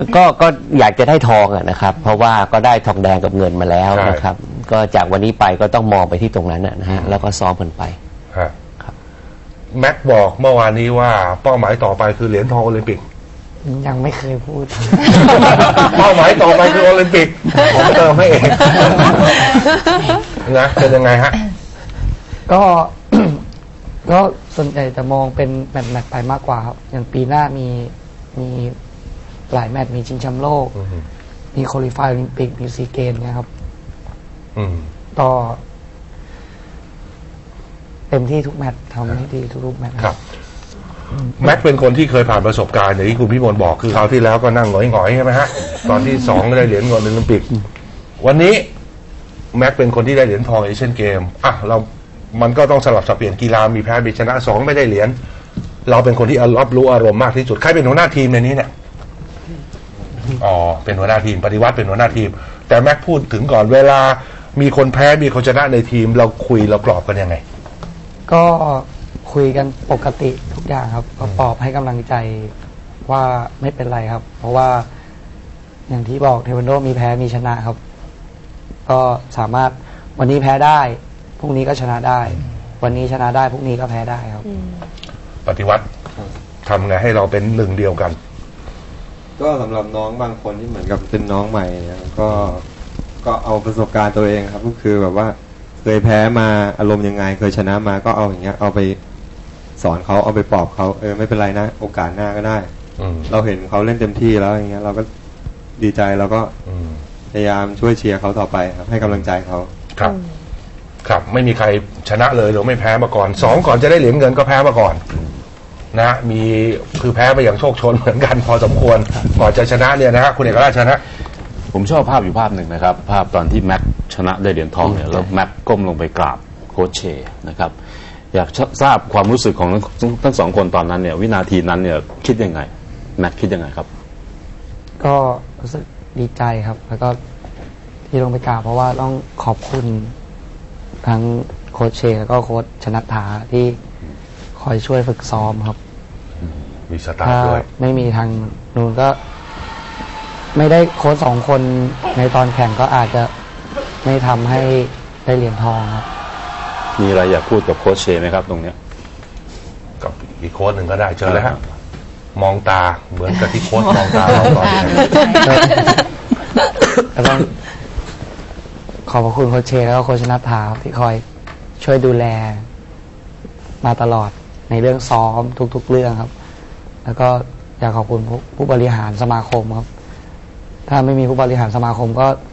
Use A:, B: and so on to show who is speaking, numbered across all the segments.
A: ก็อยากจะได้ทองนะครับเพราะว่าก็ได้ทองแดงกับเงินมาแล้วนะครับก็จากวันนี้ไปก็ต้องมองไปที่ตรงนั้นนะฮะแล้วก็ซ้อมกันไป
B: ครับแม็กบอกเมื่อวานนี้ว่าเป้าหมายต่อไปคือเหรียญทองโอลิมปิก
C: ยังไม่เคยพูด
B: เป้าหมายต่อไปคือโอลิมปิกผมเติมให้เองนะเป็นยังไงฮะ
C: ก็ส่วนใหญ่จะมองเป็นแมตช์ไปมากกว่าครับอย่างปีหน้ามีหลายแมตช์มีชิงแชมป์โลกมีควอลิฟายโอลิมปิกมีซีเกมเนี่ยครับก็เต็มที่ทุกแมตช์ทำให้ดีทุกแมตช์
B: ครับแม็กเป็นคนที่เคยผ่านประสบการณ์อย่างที่คุณพี่มนบอกคือคราวที่แล้วก็นั่งหงอยๆใช่ไหมฮะตอนที่2ก็ได้เหรียญเงินโอลิมปิกวันนี้แม็กเป็นคนที่ได้เหรียญทองเอเชียนเกมมันก็ต้องสลับสับเปลี่ยนกีฬามีแพ้มีชนะ2ไม่ได้เหรียญเราเป็นคนที่รับรู้อารมณ์มากที่สุดใครเป็นหัวหน้าทีมในนี้เนี่ยเป็นหัวหน้าทีมปฏิวัติเป็นหัวหน้าทีมแต่แม็กพูดถึงก่อนเวลามีคนแพ้มีคนชนะในทีมเราคุยเราปลอบกันยังไง
C: ก็คุยกันปกติทุกอย่างครับก็ปลอบให้กำลังใจว่าไม่เป็นไรครับเพราะว่าอย่างที่บอกเทควันโดมีแพ้มีชนะครับก็สามารถวันนี้แพ้ได้พรุ่งนี้ก็ชนะได้วันนี้ชนะได้พรุ่งนี้ก็แพ้ได้ครับ
B: ปฏิวัติทำไงให้เราเป็นหนึ่งเดียวกัน
D: ก็สำหรับน้องบางคนที่เหมือนกับเป็นน้องใหม่เนี่ยก็เอาประสบการณ์ตัวเองครับก็คือแบบว่าเคยแพ้มาอารมณ์ยังไงเคยชนะมาก็เอาอย่างเงี้ยเอาไปสอนเขาเอาไปปลอบเขาไม่เป็นไรนะโอกาสหน้าก็ได้เราเห็นเขาเล่นเต็มที่แล้วอย่างเงี้ยเราก็ดีใจเราก็พยายามช่วยเชียร์เขาต่อไปครับให้กำลังใจเขา
B: ครับไม่มีใครชนะเลยหรือไม่แพ้มาก่อน2ก่อนจะได้เหรียญเงินก็แพ้มาก่อนนะมีคือแพ้ไปอย่างโชคชนเหมือนกันพอสมควรก่อนจะชนะเนี่ยนะฮะคุณเอกราชชนะ
E: ผมชอบภาพอยู่ภาพหนึ่งนะครับภาพตอนที่แม็กชนะได้เหรียญทองเนี่ยแล้วแม็กก้มลงไปกราบโค้ชเชนะครับอยากทราบความรู้สึกของทั้งสองคนตอนนั้นเนี่ยวินาทีนั้นเนี่ยคิดยังไงแม็กคิดยังไงครับ
C: ก็รู้สึกดีใจครับแล้วก็ที่ลงไปกราบเพราะว่าต้องขอบคุณทั้งโค้ชเชแล้วก็โค้ชชนัทธาที่คอยช่วยฝึกซ้อมครับ
B: มีสตาร์ด้วย
C: ไม่มีทางนู้นก็ไม่ได้โค้ช2คนในตอนแข่งก็อาจจะไม่ทำให้ได้เหรียญทองครับ
E: มีอะไรอยากพูดกับโค้ชเชไหมครับตรงเนี้ย
B: กับอีกโค้ชหนึ่งก็ได้เชิญเลยฮะมองตาเหมือนกับที่โค้ชมองตาเราตอนนี้
C: แล้วก็ขอบคุณโค้ชเชแล้วก็โค้ชชนัทธาที่คอยช่วยดูแลมาตลอดในเรื่องซ้อมทุกๆเรื่องครับแล้วก็อยากขอบคุณผู้บริหารสมาคมครับถ้าไม่มีผู้บริหารสมาคม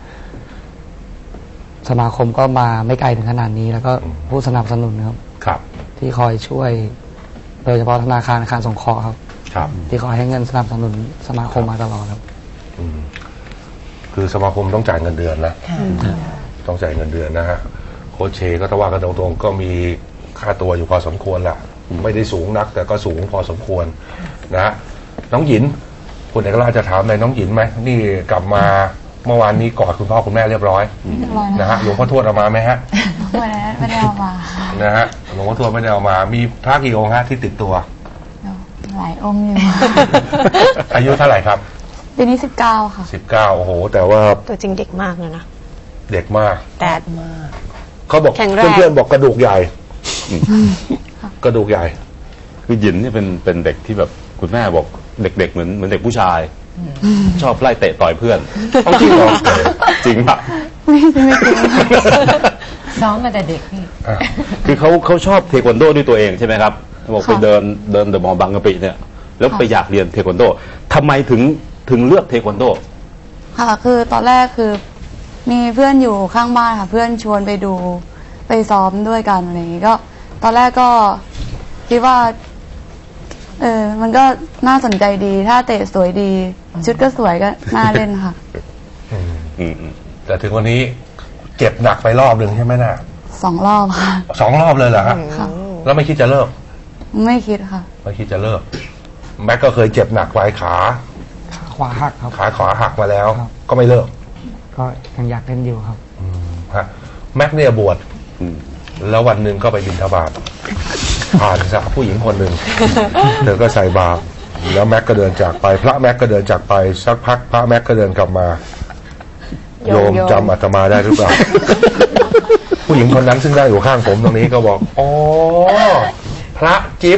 C: ก็มาไม่ไกลถึงขนาดนี้แล้วก็ผู้สนับสนุนครับที่คอยช่วยโดยเฉพาะธนาคารอาคารสงเคราะห์ครับที่คอยให้เงินสนับสนุนสมาคมมาตลอดครับ
B: คือสมาคมต้องจ่ายเงินเดือนนะต้องจ่ายเงินเดือนนะฮะโค้ชเชก็ถ้าว่ากันตรงๆก็มีค่าตัวอยู่พอสมควรแหละไม่ได้สูงนักแต่ก็สูงพอสมควรนะน้องหญินคุณเอกราชจะถามอะไรน้องหญินไหมนี่กลับมาเมื่อวานนี้กอดคุณพ่อคุณแม่เรียบร้อยนะฮะหลวงพ่อทวดเอามาไหมฮะ
F: ไม่ได้เอามา
B: นะฮะหลวงพ่อทวดไม่ได้เอามามีพระกี่องค์ฮะที่ติดตัว
F: หลายองค์อยู่
B: อายุเท่าไหร่ครับ
F: ปีนี้19ค่ะ
B: 19โอ้โหแต่ว่า
G: ตัวจริงเด็กมากเลยนะ
B: เด็กมาก
G: แต่
B: เขาบอกเพื่อนๆบอกกระดูกใหญ่กระดูกใหญ่
E: คือหยินนี่เป็นเด็กที่แบบคุณแม่บอกเด็กๆเหมือนเด็กผู้ชายชอบไล่เตะต่อยเพื่อน
B: จริงเหรอ
E: จริงป่ะ
F: ไม่จริง
G: ซ้อมมาแต่เด็กนี่
E: คือเขาชอบเทควันโดด้วยตัวเองใช่ไหมครับบอกไปเดินเดอะมอลล์บางกะปิเนี่ยแล้วไปอยากเรียนเทควันโดทำไมถึงเลือกเทควันโด
F: ค่ะคือตอนแรกคือมีเพื่อนอยู่ข้างบ้านค่ะเพื่อนชวนไปดูไปซ้อมด้วยกันอะไรอย่างงี้ก็ตอนแรกก็คิดว่ามันก็น่าสนใจดีถ้าเตะสวยดีชุดก็สวยก็น่าเล่นค่ะ
B: แต่ถึงวันนี้เจ็บหนักไปรอบหนึ่งใช่ไหมน่ะ
F: 2 รอบค่ะ
B: 2 รอบเลยเหรอฮะแล้วไม่คิดจะเลิก
F: ไม่คิดค่ะ
B: ไม่คิดจะเลิกแม็กก็เคยเจ็บหนักไว้ขา
C: ขวาหักครับ
B: ขาขวาหักมาแล้วก็ไม่เลิก
C: ก็ยังอยากเล่นอยู่ครับ
B: ฮะแม็กเนี่ยบวชแล้ววันหนึ่งก็ไปบิณฑบาตผ่านสักผู้หญิงคนหนึ่งเธอก็ใส่บาตรแล้วแม็กก็เดินจากไป พระแม็กก็เดินจากไปสักพักพระแม็กก็เดินกลับมา โยมจำอาตมาได้หรือเปล่า ผู้หญิงคนนั้นซึ่งได้อยู่ข้างผมตรงนี้ก็บอกอ๋อพระจิ๊บ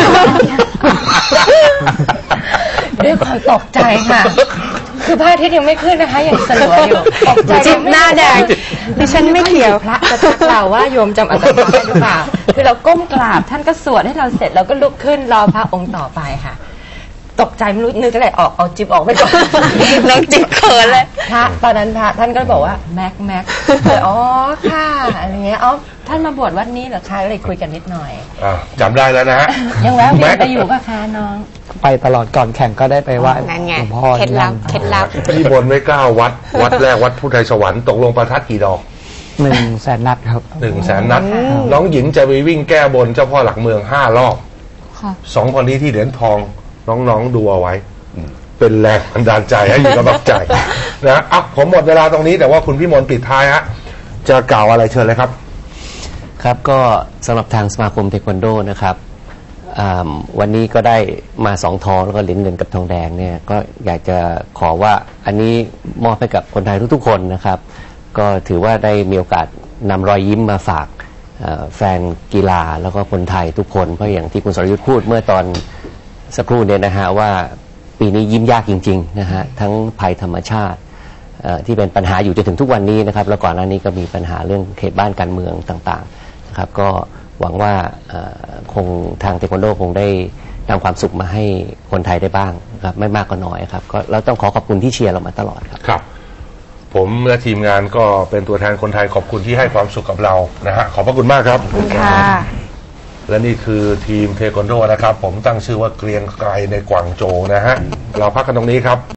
G: ด้วยความตกใจค่ะ คือพระอาทิตย์ยังไม่ขึ้นนะคะยังสลัวอยู่ตกใจ
H: จิ๊บหน้าแดงดิฉันไม่เกี่ยว
G: พระจะทักเราว่าโยมจำอาตมาได้หรือเปล่าคือเราก้มกราบท่านก็สวดให้เราเสร็จเราก็ลุกขึ้นรอพระองค์ต่อไปค่ะ ตกใจไม่รู้นึกอะไรออกเอาจิ๊บออกไปก่อน
H: น้องจิ๊บเขินเลย
G: พระตอนนั้นพระท่านก็บอกว่าแม็กเลยอ๋อค่ะอะไรเงี้ยอ๋อท่านมาบวชวัดนี้เหรอคะเลยคุยกันนิดหน่อย
B: จำได้แล้วนะฮะ
G: ยังแวะเวียนไปอยู่กับคะน้อง
C: ไปตลอดก่อนแข่งก็ได้ไปไหว้
H: นั่นไง
C: หลวงพ่อ
H: เคล็ดลับ
C: ที่นั่น
B: ที่บนไว้9 วัด วัดแรกวัดพุทธไทยสวรรค์ตกลงประทัดกี่ดอก
C: 100,000 นัดครับ
B: 100,000 นัด น้องหญิงจะไปวิ่งแก้บนเจ้าพ่อหลักเมือง5 รอบ
F: ค่ะ
B: 2 คนนี้ที่เหรียญทองน้องๆดูเอาไว้ เป็นแรงบันดาลใจให้อยู่กำลังใจนะผมหมดเวลาตรงนี้แต่ว่าคุณพี่มนต์ปิดท้ายฮะจะกล่าวอะไรเชิญเลยครับ
A: ครับก็สำหรับทางสมาคมเทควันโดนะครับวันนี้ก็ได้มา2 ทองแล้วก็เหรียญเงินกับทองแดงเนี่ยก็อยากจะขอว่าอันนี้มอบให้กับคนไทยทุกๆคนนะครับก็ถือว่าได้มีโอกาสนำรอยยิ้มมาฝากแฟนกีฬาแล้วก็คนไทยทุกคนเพราะอย่างที่คุณสรยุทธ์พูดเมื่อตอนสักครู่เนี่ยนะฮะว่าปีนี้ยิ้มยากจริงๆนะฮะทั้งภัยธรรมชาติที่เป็นปัญหาอยู่จนถึงทุกวันนี้นะครับแล้วก่อนหน้านี้ก็มีปัญหาเรื่องเขตบ้านการเมืองต่างๆนะครับก็หวังว่าคงทางเทควันโดคงได้นำความสุขมาให้คนไทยได้บ้างนะครับไม่มากก็น้อยครับก็เราต้องขอบคุณที่เชียร์เรามาตลอดครับ
B: ครับ ผมและทีมงานก็เป็นตัวแทนคนไทยขอบคุณที่ให้ความสุขกับเรานะฮะขอบพระคุณมากครับ
H: ค่ะ
B: และนี่คือทีมเทควันโดนะครับผมตั้งชื่อว่าเกรียงไกรในกวางโจวนะฮะเราพักกันตรงนี้ครับ